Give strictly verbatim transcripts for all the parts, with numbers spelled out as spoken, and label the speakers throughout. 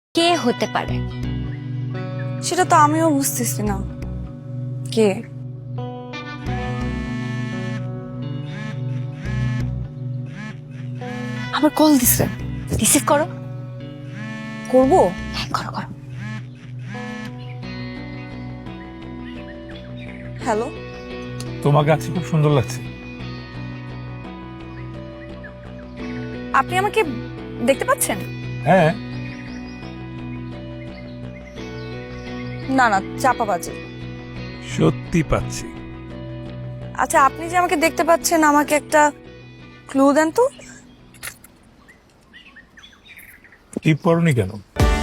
Speaker 1: কে হতে পারে?
Speaker 2: সেটা তো আমিও বুঝতেছি না কে। আবার কল দিছে।
Speaker 1: রিসিভ করো।
Speaker 2: করবো?
Speaker 1: হ্যাঁ করো করো।
Speaker 2: হ্যালো,
Speaker 3: তোমাকে আজকে খুব সুন্দর লাগছে।
Speaker 2: আপনি আমাকে দেখতে পাচ্ছেন?
Speaker 3: হ্যাঁ,
Speaker 2: না না, চাপাবাজি।
Speaker 3: সত্যি পাচ্ছি।
Speaker 2: আচ্ছা, আপনি যে আমাকে দেখতে পাচ্ছেন, আমাকে একটা ক্লু দেন তো।
Speaker 3: টিপ পরনি কেন?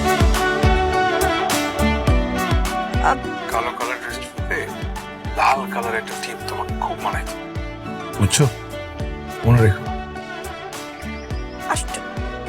Speaker 2: আপ-
Speaker 3: কালো কালার ড্রেস পরে লাল কালার একটা টিপ তোমাকে খুব মানায়, বুঝছো? মনে রেখো।
Speaker 2: আশ্চর্য।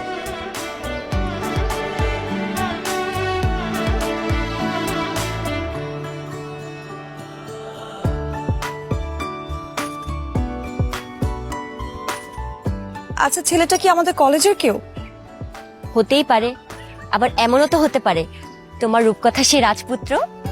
Speaker 2: আচ্ছা, ছেলেটা কি আমাদের কলেজের কেউ?
Speaker 1: হতেই পারে, আবার এমনও তো হতে পারে তোমার রূপকথা সে রাজপুত্র।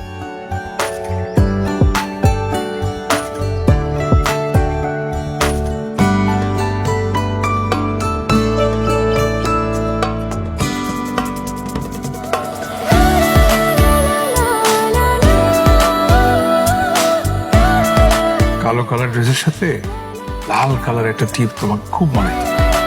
Speaker 3: কালো কালার ড্রেসের সাথে লাল কালার একটা টিপ তোমাকে খুব মানায়।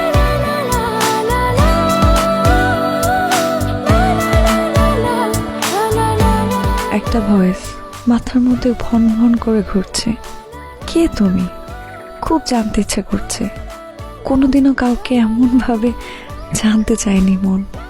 Speaker 4: একটা ভয়েস মাথার মধ্যে ভন ভন করে ঘুরছে। কে তুমি? খুব জানতে ইচ্ছে করছে। কোনোদিনও কাউকে এমন ভাবে জানতে চায়নি মন।